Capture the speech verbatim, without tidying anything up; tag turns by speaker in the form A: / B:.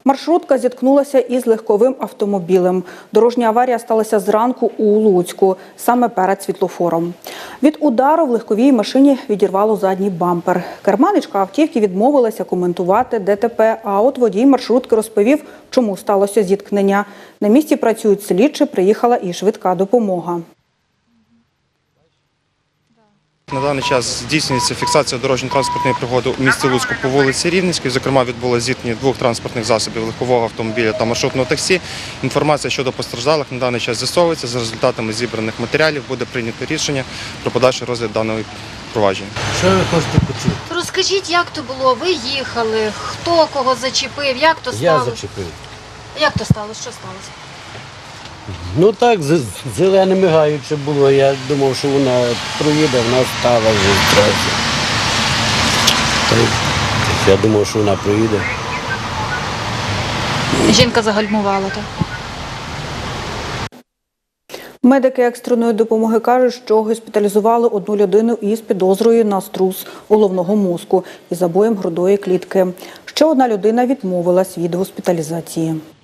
A: Маршрутка зіткнулася із легковим автомобілем. Дорожня аварія сталася зранку у Луцьку, саме перед світлофором. Від удару в легковій машині відірвало задній бампер. Керманичка автівки відмовилася коментувати ДТП, а от водій маршрутки розповів, чому сталося зіткнення. На місці працюють слідчі, приїхала і швидка допомога.
B: На даний час здійснюється фіксація дорожньо-транспортної пригоди у місті Луцьку по вулиці Рівненській. Зокрема, відбулося зіткнення двох транспортних засобів – легкового автомобіля та маршрутного таксі. Інформація щодо постраждалих на даний час з'ясовується. За результатами зібраних матеріалів буде прийнято рішення про подальший розгляд даного провадження.
C: Що ви хочете почути?
D: Розкажіть, як то було? Ви їхали, хто кого зачепив, як то
C: Я
D: сталося?
C: зачепив.
D: Як то сталося? Що сталося?
C: Ну так, з- зелене мигаюче було. Я думав, що вона проїде, вона стала вже трохи. Та й Я думав, що вона проїде.
D: Жінка загальмувала, так?
A: Медики екстреної допомоги кажуть, що госпіталізували одну людину із підозрою на струс головного мозку і забоєм грудної клітки. Ще одна людина відмовилась від госпіталізації.